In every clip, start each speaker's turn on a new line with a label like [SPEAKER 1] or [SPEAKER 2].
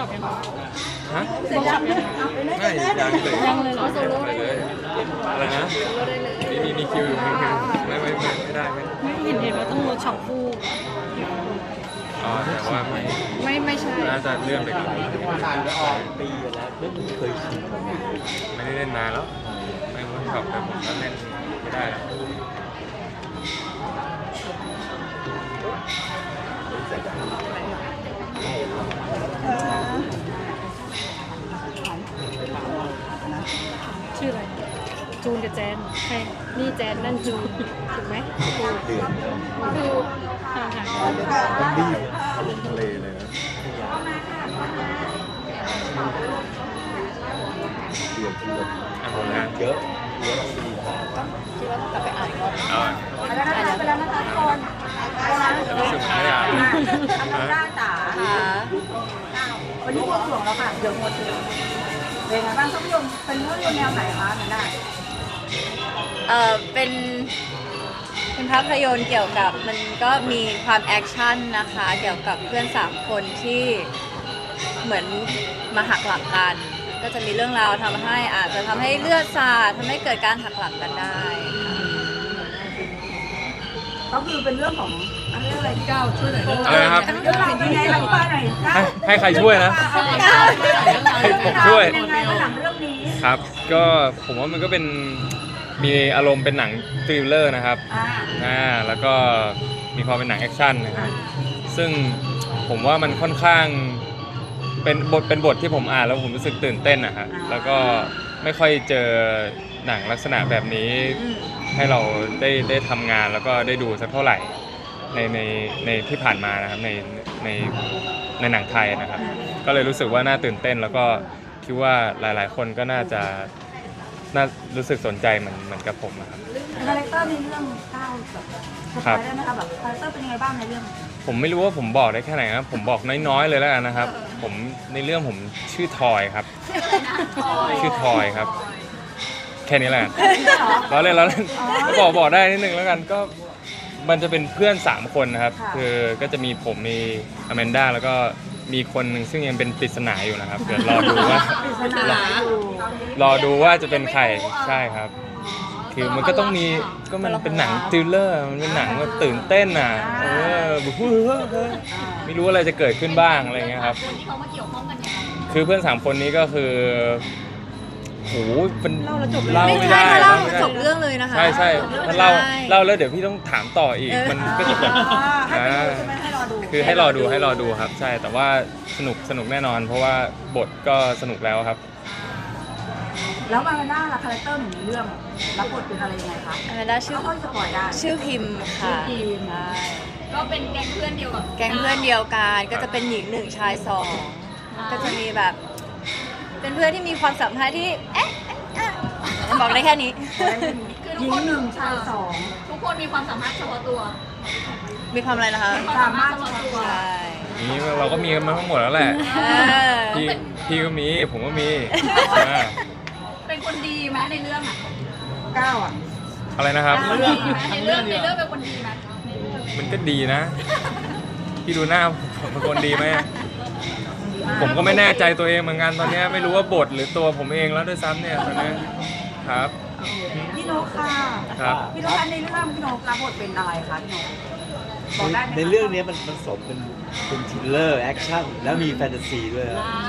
[SPEAKER 1] อปยัง
[SPEAKER 2] ฮะ
[SPEAKER 1] เวิร์กช็อปยัง
[SPEAKER 2] ไม่ยังเลย
[SPEAKER 1] ยังเลยเหรอโซโล่ได้เลย
[SPEAKER 2] อะไรนะมีคิวอยู่ไม่ได้
[SPEAKER 1] ไม่เห็นว่าต้องเวิร์กช็อปคู่
[SPEAKER 2] อ๋อแต่ว่า
[SPEAKER 1] ไม่ใช่
[SPEAKER 2] น่าจะเลื่อนไปก่อน
[SPEAKER 3] ปีแล้วไม่เคยชิม
[SPEAKER 2] ไม่ได้เล่นนานแล้วไม่เวิร์กช็อปแต่ผมก็เล่นไม่ได้แล้ว
[SPEAKER 1] ชื่ออะไรจูนกับแจนใช่นี่แจนนั่นจูนถูกไหมดูห่างๆกัน
[SPEAKER 3] ต้องรีบลงทะเลเลยนะเดือด
[SPEAKER 2] อ่ะหมดแล้ว
[SPEAKER 3] เยอะดี
[SPEAKER 4] คิดว่าต้องกลับไปอ่านอีกรอบ
[SPEAKER 2] เอา
[SPEAKER 4] ไปแล้วนะคะทุกคนไปแล้ว
[SPEAKER 2] รู้สึกไม่ได้อ่าน
[SPEAKER 4] ด้านจ๋าค่ะวันนี้บวงสรวงแล้วค่ะเดี๋ยวหมดเลยเป็นไงบ้างภาพยนตร์เป็นภาพยนตร์แนวไหนคะนั่นได้
[SPEAKER 5] เป็นภาพยนตร์เกี่ยวกับมันก็มีความแอคชั่นนะคะเกี่ยวกับเพื่อน3 คนที่เหมือนมาหักหลักกัน ก็จะมีเรื่องราวทำให้อาจจะทำให้เลือดสาดทำให้เกิดการหักหลักกันได้
[SPEAKER 4] ก็คือเป็นเรื่องของอะไรที่ก้าวช่วยหน่อย
[SPEAKER 2] อะไรนะครับ
[SPEAKER 4] เรื่องราวเป็นยังไงอธิบายหน่อยก้าว
[SPEAKER 2] ให้ใครช่วยนะ ให้ผมช่วย
[SPEAKER 4] ยังไงบ้างหลังเรื่องนี้
[SPEAKER 2] ครับก็ผมว่ามันก็เป็นมีอารมณ์เป็นหนังทริลเลอร์นะครับแล้วก็มีความเป็นหนังแอคชั่นนะครับซึ่งผมว่ามันค่อนข้างเป็นบทที่ผมอ่านแล้วผมรู้สึกตื่นเต้นนะฮะแล้วก็ไม่ค่อยเจอหนังลักษณะแบบนี้ให้เราได้ทำงานแล้วก็ได้ดูสักเท่าไหร่ในที่ผ่านมานะครับในหนังไทยนะครับก็เลยรู้สึกว่าน่าตื่นเต้นแล้วก็คิดว่าหลายๆคนก็น่ารู้สึกสนใจเหมือนกับผมนะครับ
[SPEAKER 4] คาแรคเตอร์ในเรื่องก้าวแบบสปอยได้ไหมคะแบบคาแรคเตอร์เป็นยังไงบ้างในเรื่อง
[SPEAKER 2] ผมไม่รู้ว่าผมบอกได้แค่ไหนครับผมบอกน้อยๆเลยแล้วกันนะครับผมในเรื่องผมชื่อทอยครับชื่อทอยครับแค่นี้แหละเราเล่นบอกได้นิดนึงแล้วกันก็มันจะเป็นเพื่อน3 คนนะครับคือก็จะมีผมมีอแมนด้าแล้วก็มีคนหนึ่งซึ่งยังเป็นปริศนาอยู่นะครับเดี๋ยวรอดูว่าจะเป็นใครใช่ครับคือมันก็ต้องมีก็มันเป็นหนังทริลเลอร์มันเป็นหนังแบบตื่นเต้นอ่ะไม่รู้อะไรจะเกิดขึ้นบ้างอะไรเงี้ยครับคือเพื่อน3 คนนี้ก็คือโหเป็นเล่าไม่ได้
[SPEAKER 5] เล่าจบเรื่องเลยนะคะ
[SPEAKER 2] ใช่ถ้าเล่าแล้วเดี๋ยวพี่ต้องถามต่ออีกมันก็จะแบบคือให้รอดูครับใช่แต่ว่าสนุกแน่นอนเพราะว่าบทก็สนุกแล้วครับ
[SPEAKER 4] แล้วมาเป็นหน้าละคาแรคเตอร์หนึ่งในเรื่องรับบทเป็นอะไรยังไงคะ
[SPEAKER 5] อแมนด้าชื่อพิมพ์ค่ะ
[SPEAKER 1] ก็เป็นแก๊งเพื่อนเดียวกับ
[SPEAKER 5] แก๊งเพื่อนเดียวกันก็จะเป็นหญิง1ชาย2ก็จะมีแบบเป็นเพื่อนที่มีความสัมพันธ์ที่บอกได้แค่นี้
[SPEAKER 4] หญิง1ชาย2
[SPEAKER 1] ทุกคนมีความสามารถเฉพาะตัว
[SPEAKER 5] มีความอะไรนะคะ
[SPEAKER 4] สามารถเฉพาะตัว
[SPEAKER 5] ใช่
[SPEAKER 2] นี้เราก็มีกันมาทั้งหมดแล้วแหละพี่ก็มีผมก็มี
[SPEAKER 1] เป็นคนดีไหมในเรื่องอ่ะ
[SPEAKER 4] ก้าวอ่ะ
[SPEAKER 2] อะไรนะครับ
[SPEAKER 1] ในเรื่องเป็นคนดีไหม
[SPEAKER 2] มันก็ดีนะพี่ดูหน้าผมเป็นคนดีไหมผมก็ไม่แน่ใจตัวเองเหมือนกันตอนนี้ไม่รู้ว่าบทหรือตัวผมเองแล้วด้วยซ้ำเนี่ยตอนนี้ครับ
[SPEAKER 4] พี่นกค่ะ
[SPEAKER 2] ครับ
[SPEAKER 4] พี่นกในเรื่องพี่นกรับบทเป็นอะไรคะพี่นกบอกได้ไหม
[SPEAKER 3] ในเรื่องนี้มันผสมเป็นทริลเลอร์แอคชั่นแล้วมีแฟนตาซีด้วย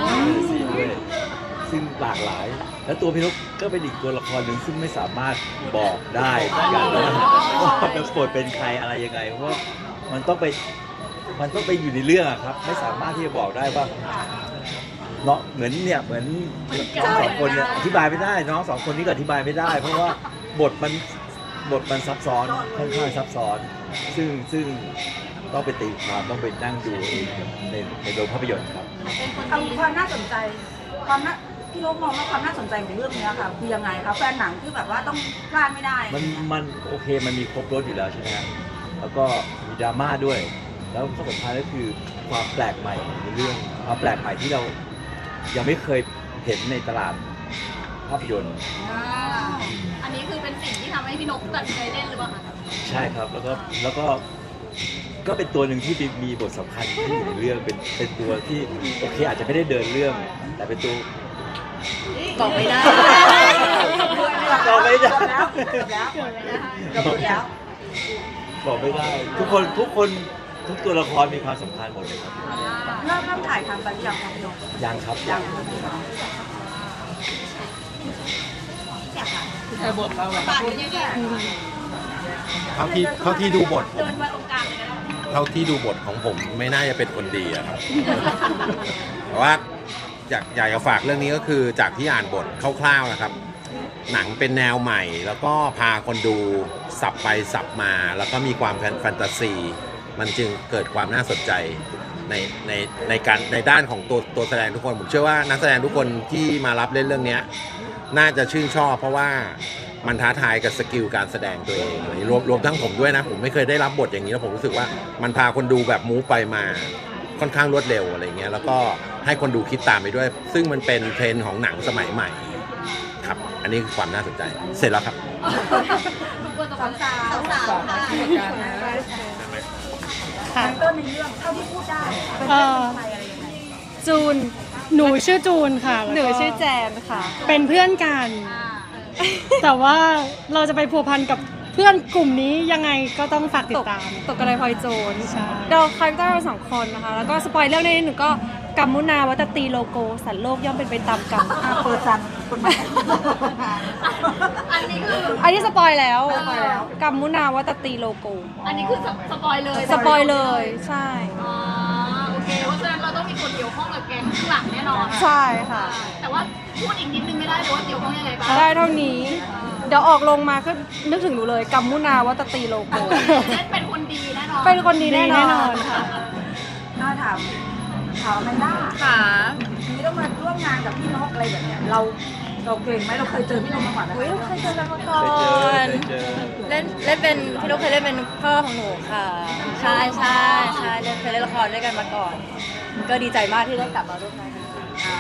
[SPEAKER 3] ซึ่งหลากหลายแล้วตัวพี่นกก็เป็นอีกตัวละครหนึ่งซึ่งไม่สามารถบอกได้เหมือนกันว่าเป็นบทเป็นใครอะไรยังไงเพราะว่ามันต้องไปอยู่ในเรื่องครับไม่สามารถที่จะบอกได้ว่าเนาะเหมือนน้อง2 คนเนี่ยอธิบายไม่ได้น้อง2 คนนี้ก็อธิบายไม่ได้ เพราะว่าบทมันซับซ้อนค่อนข้างซับซ้อนซึ่งต้องไปตีความต้องไปนั่งดูในโรงภาพยนตร์ครับ
[SPEAKER 4] ความน่าสนใจพี่นกมองว่าความน่าสนใจของเรื่องนี้ค่ะคือยังไงคะแฟนหนังที่แบบว่าต้องพลาดไม่ได้
[SPEAKER 3] มันโอเคมันมีครบรสอยู่แล้วใช่ไหมครับแล้วก็มีดราม่าด้วยแล้วข้อสำคัญก็คือความแปลกใหม่ในเรื่องความแปลกใหม่ที่เรายังไม่เคยเห็นในตลาดภาพยนตร์
[SPEAKER 1] อันนี้คือเป็นสิ่งที่ทำให้พี่นกตัดใจเล่นหรือเปล่าคะ
[SPEAKER 3] ใช่ครับแล้วก็ก็เป็นตัวหนึ่งที่มีบทสำคัญที่อยู่ในเรื่องเป็นตัวที่โอเคอาจจะไม่ได้เดินเรื่อง แต่เป็นตัว
[SPEAKER 5] บอกไม่ได้
[SPEAKER 3] บอกไม่ได้
[SPEAKER 4] แล้วหมดแล้ว
[SPEAKER 3] บอกไม่ได้ ทุกคนทุกตัวละครมีความสำคัญหมดเลยครับ
[SPEAKER 4] เริ่มถ่ายทำไปหรือยังครับพี่นก
[SPEAKER 3] ยังครับ
[SPEAKER 4] ยัง
[SPEAKER 6] เท่าที่ดูบทผมเท่าที่ดูบทของผมไม่น่าจะเป็นคนดีอะครับ แต่ว่าอยากจะฝากเรื่องนี้ก็คือจากที่อ่านบทคร่าวๆนะครับ หนังเป็นแนวใหม่ แล้วก็พาคนดูสับไปสับมา แล้วก็มีความแฟนตาซี มันจึงเกิดความน่าสนใจในด้านของตัวแสดงทุกคนผมเชื่อว่านักแสดงทุกคนที่มารับเล่นเรื่องนี้น่าจะชื่นชอบเพราะว่ามันท้าทายกับสกิลการแสดงตัวเองรวมทั้งผมด้วยนะผมไม่เคยได้รับบทอย่างนี้แล้วผมรู้สึกว่ามันพาคนดูแบบมูฟไปมาค่อนข้างรวดเร็วอะไรเงี้ยแล้วก็ให้คนดูคิดตามไปด้วย ซึ่งมันเป็นเทรนด์ของหนังสมัยใหม่ครับอันนี้คือความน่าสนใจเสร็จแล้วครับ
[SPEAKER 4] สาวๆค่ะ
[SPEAKER 1] ค่ะ
[SPEAKER 4] ต้นในเรื่องเท่าที่พูดได้เป็นใครอะไรยังไง
[SPEAKER 1] จูน หนูชื่อจูนค่ะ
[SPEAKER 5] หนูชื่อแจนค่ะ
[SPEAKER 1] เป็นเพื่อนกัน แต่ว่าเราจะไปพัวพันกับเพื่อนกลุ่มนี้ยังไงก็ต้องฝากติดตาม
[SPEAKER 7] ตกกระไดพลอยโจร
[SPEAKER 1] ใช่
[SPEAKER 7] เราคาแรคเตอร์เราสองคนนะคะ แล้วก็สปอยเรื่องนี้หนูก็กัมมุนาวัตตีโลโก สันโลกย่อมเป็นไปตามกรรม
[SPEAKER 4] เปิดซันคนใหม่
[SPEAKER 7] อันนี้สปอยแล้วกัมมุนาวัตตีโลโก
[SPEAKER 8] อันนี้คือสปอยเลย
[SPEAKER 7] สปอยเลยใช่
[SPEAKER 8] อ๋อโอเคเพราะฉะนั้นเราต้องมีคนเกี่ยวข้องกับแกงข้างหลังแน่นอน
[SPEAKER 7] ใช่ค่ะ
[SPEAKER 8] แต่ว่าพูดอีกนิดนึงไม่ได้เลยว่าเกี่ยวข้องยังไงบ้าง
[SPEAKER 7] ได้เท่านี้ เดี๋ยวออกลงมาก็นึกถึงหนูเลยกัมมุนาวัตตีโลโก
[SPEAKER 8] เล่นเป็นคนดีแน่นอน
[SPEAKER 7] เป็นคนดีแน่นอน
[SPEAKER 1] ค่ะ
[SPEAKER 4] น่าถามแมนด้า
[SPEAKER 5] ค่ะ
[SPEAKER 4] ทีนี้ต้องมาร่วมงานกับพี่นกอะไรแบบเนี้ยเราเก่งไหมเราเคยเจอพี่นกมาก่อนไหม
[SPEAKER 5] อุ้ยเคยเจอกันมาก่อ
[SPEAKER 3] เคยเจอ
[SPEAKER 5] เล่นเป็นพี่นกเคยเล่นเป็นพ่อของหนูค่ะ ใช่เคยเล่นละครด้วยกันมาก่อน ก็ดีใจมากที่ได้กลับมาร่วมงานกัน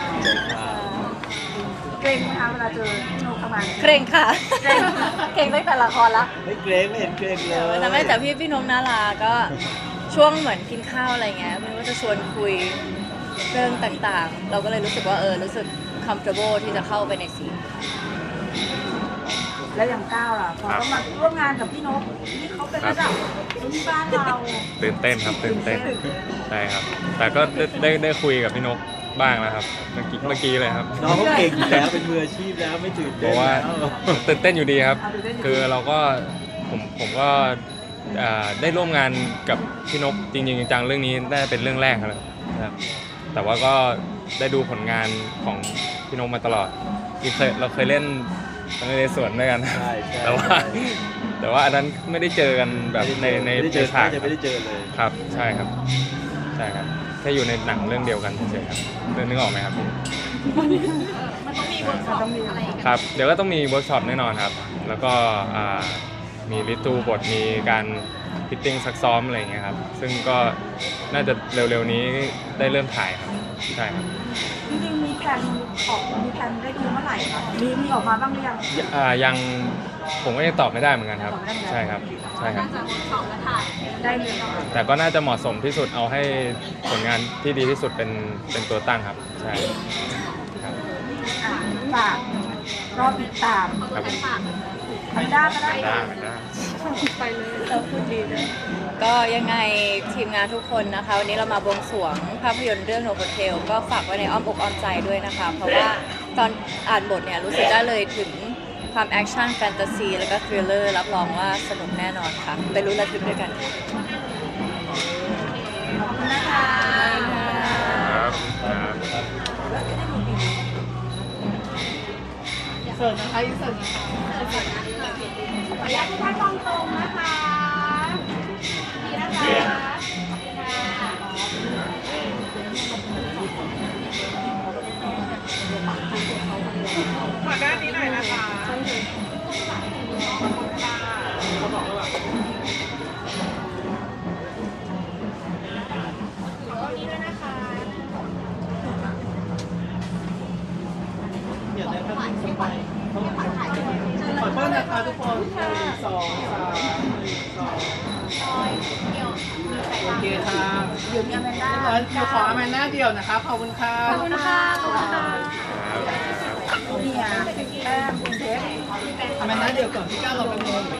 [SPEAKER 4] เก่งไหมคะเวลาเจอพี่นกทำงาน
[SPEAKER 5] เกรงค่ะ เกรงตั้งแต่ละครละ
[SPEAKER 3] ไม่เกรงไม่เห็นเกรงเลย
[SPEAKER 5] แต่ไม่แต่พี่นกน่ารักก็ช่วงเหมือนกินข้าวอะไรเงี้ยมันก็จะชวนคุยเรื่องต่างๆ เราก็เลยรู้สึกว่ารู้สึก comfortable ที่จะเข้าไปในซีน
[SPEAKER 4] แล้วอย่างก้าวล่ะพอต้องมาร่วมงานกับพี่นกนี่เขาเป็นระดับที่บ้านเรา
[SPEAKER 2] ตื่นเต้นครับตื่นเต้นใช่ครับ แต่ก็ได้คุยกับพี่นกบ้างแล้วครับเมื่อกี้เลยครับ
[SPEAKER 3] น้องเขาเก่งอยู่แล้วเป็นมืออาชีพแล้วไม่ตื่น
[SPEAKER 2] เพ
[SPEAKER 3] เต้น
[SPEAKER 2] ราะว่า
[SPEAKER 3] แล้ว
[SPEAKER 2] ตื่นเต้นอยู่ดีครับ คือเราก็ผมก็ได้ร่วมงานกับพี่นกจริงๆจังๆเรื่องนี้ได้เป็นเรื่องแรกครับแต่ว่าก็ได้ดูผลงานของพี่นกมาตลอดเราเคยเล่นในสวนด้วยกัน
[SPEAKER 3] ใช่
[SPEAKER 2] แต่ว่าอันนั้นไม่ได้เจอกันแบบใน
[SPEAKER 3] ไม่ได้เจอ
[SPEAKER 2] ฉาก
[SPEAKER 3] ไม่ได้เจอเลย
[SPEAKER 2] ครับใช่ครับแค่อยู่ในหนังเรื่องเดียวกันเฉยๆครับนึกออกไหมครับ
[SPEAKER 8] มันต้องมีเวิร์กช็อปอะไรอย่างเงี้ย
[SPEAKER 2] ครับเดี๋ยวก็ต้องมีเวิร์กช็อปแน่นอนครับ แล้วก็มีริทูบทมีการฟิตติ้งซักซ้อมอะไรอย่างเงี้ยครับซึ่งก็น่าจะเร็วๆนี้ได้เริ่มถ่ายครับใช่ครับ
[SPEAKER 4] จริงๆมีแผนได้ดูเมื่อไหร่คะมีออกมาบ้างหรือยัง
[SPEAKER 2] ยังผมก็ยังตอบไม่ได้เหมือนกันครับ
[SPEAKER 4] ตอบไม่ได้เหมือนกัน
[SPEAKER 2] ใช่ครับใช่ครับ
[SPEAKER 8] น่าจะเวิร์กช็อปและถ่าย
[SPEAKER 4] ได้เลยเนาะ
[SPEAKER 2] แต่ก็น่าจะเหมาะสมที่สุดเอาให้ผลงานที่ดีที่สุดเป็นตัวตั้งครับใช่ครับ
[SPEAKER 4] ฝากรอติดตาม
[SPEAKER 2] ครับผม
[SPEAKER 4] แมนด้าก็ได้
[SPEAKER 2] ได้
[SPEAKER 5] ก็ยังไงทีมงานทุกคนนะคะ วันนี้เรามาบวงสรวงภาพยนตร์เรื่อง No Hotel ก็ฝากไว้ในอ้อมอกอ้อมใจด้วยนะคะ เพราะว่าตอนอ่านบทเนี่ยรู้สึกได้เลยถึงความแอคชั่นแฟนตาซีแล้วก็ทริลเลอร์รับรองว่าสนุกแน่นอนค่ะ ไปลุ้นระทึกด้วยกันค่ะ
[SPEAKER 2] ครับครับ
[SPEAKER 7] เสิร์ฟนะคะอีเสิร์ฟนะคะ
[SPEAKER 8] ขออนุญาตทุกท่านมองตรงนะคะดีนะคะขอด้านนี้หน่อยนะคะ
[SPEAKER 9] โอเคครับ
[SPEAKER 4] เดี๋ยวมีอแมนด้า
[SPEAKER 9] เดี๋ยวขออแมนด้าเดียวนะครับขอบคุณครับ
[SPEAKER 4] ขอบคุณค่ะขอบคุณค่ะนี่อ่ะแป้งคุณเทป
[SPEAKER 9] อแมนด้าเดียวก่อนพี่ก้าวเราเป็นโม